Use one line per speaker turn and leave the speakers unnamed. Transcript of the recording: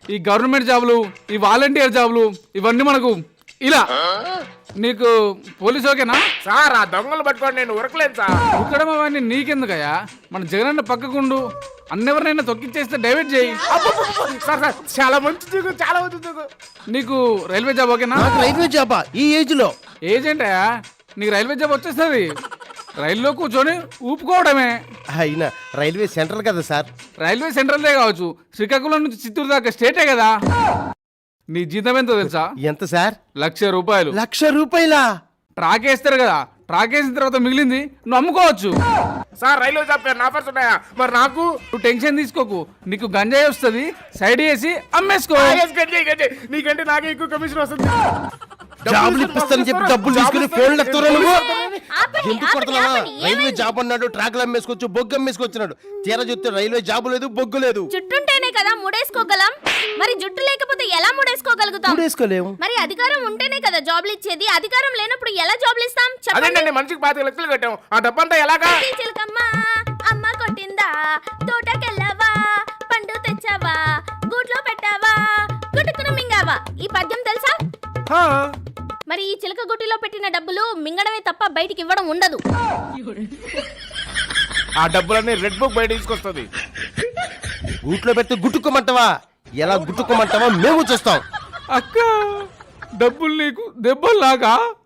ఈ గవర్నమెంట్ జాబులు, ఈ వాలంటీర్ జాబులు ఇవన్నీ మనకు ఇలా. నీకు పోలీసు ఓకేనా?
సార్ ఆ దొంగలు పట్టుకోండి, నేను ఉరకలేను సార్.
ఉక్కడం అవన్నీ నీకెందుకయ్యా? మన జగనన్న పక్కకుండు, అన్నెవరినైనా తొక్కిచ్చేస్తే డైవర్ట్ చేయి.
సార్ సార్ చాలా మంచి దిగు, చాలా మంచి దిగు.
నీకు రైల్వే జాబ్ ఓకేనా?
రైల్వే జాబా ఈ ఏజ్ లో?
ఏజెంటయా, నీకు రైల్వే జాబ్ వచ్చేస్తుంది. రైల్లో కూర్చొని ఊపుకోవడమే.
అయినా రైల్వే సెంటర్ కదా సార్.
రైల్వే సెంట్రల్దే కావచ్చు, శ్రీకాకుళం నుంచి చిత్తూరు దాకా స్టేటే కదా. నీ జీతం ఎంతో తెలుసా?
ఎంత సార్?
1,00,000 రూపాయలు.
1,00,000 రూపాయలా?
ట్రాక్ వేస్తారు కదా, ట్రాక్ వేసిన తర్వాత మిగిలింది నువ్వు అమ్ముకోవచ్చు.
సార్ రైల్వే జాబ్ పేరు ఆఫర్స్ ఉన్నాయా? మరి నాకు
నువ్వు టెన్షన్ తీసుకోకు, నీకు గంజాయి వస్తుంది, సైడ్ వేసి అమ్మేసుకో.
నీకంటే నాకే ఎక్కువ కమిషన్ వస్తుంది.
జాబులు ఇప్పిస్తానని చెప్పి డబ్బులు తీసుకుని ఫోన్లు ఎత్తురా నువ్వు. ఎందుకు కొడుతున్నావా? రైల్వే జాబ్ అన్నాడు, ట్రాక్లు అమ్మేసుకోవచ్చు, బొగ్గు అమ్మేసుకొచ్చినాడు. తీరా చూస్తే రైల్వే జాబు లేదు, బొగ్గు లేదు.
జుట్టుంటేనే కదా ముడేసుకోగలం, మరి జుట్టు లేకపోతే ఎలా ముడేసుకోగలుగుతాం?
వేసుకోలేము.
మరి అధికారం ఉంటేనే కదా జాబ్లు ఇచ్చేది, అధికారం లేనప్పుడు ఎలా జాబ్లు ఇస్తాం?
అదేంటండి మనిషికి 25 లక్షలు కట్టాం, ఆ డబ్బంతా ఎలాగా?
చిలకమ్మ అమ్మ కొట్టిందా, తోటకెళ్ళావా, పండు తెచ్చావా, గూట్లో పెట్టావా, గుట్టుకున మింగావా. ఈ పద్యం తెలుసా? మరి ఈ చిలక గుట్టిలో పెట్టిన డబ్బులు మింగడమే తప్ప బయటికి ఇవ్వడం ఉండదు.
ఆ డబ్బులన్నీ రెడ్ బుక్ బయట తీసుకొస్తుంది.
గూట్లో పెడితే గుట్టుకోమంటావా? ఎలా గుట్టుకోమంటావా మేము చూస్తాం.
అక్క, డబ్బులు నీకు దెబ్బల్లాగా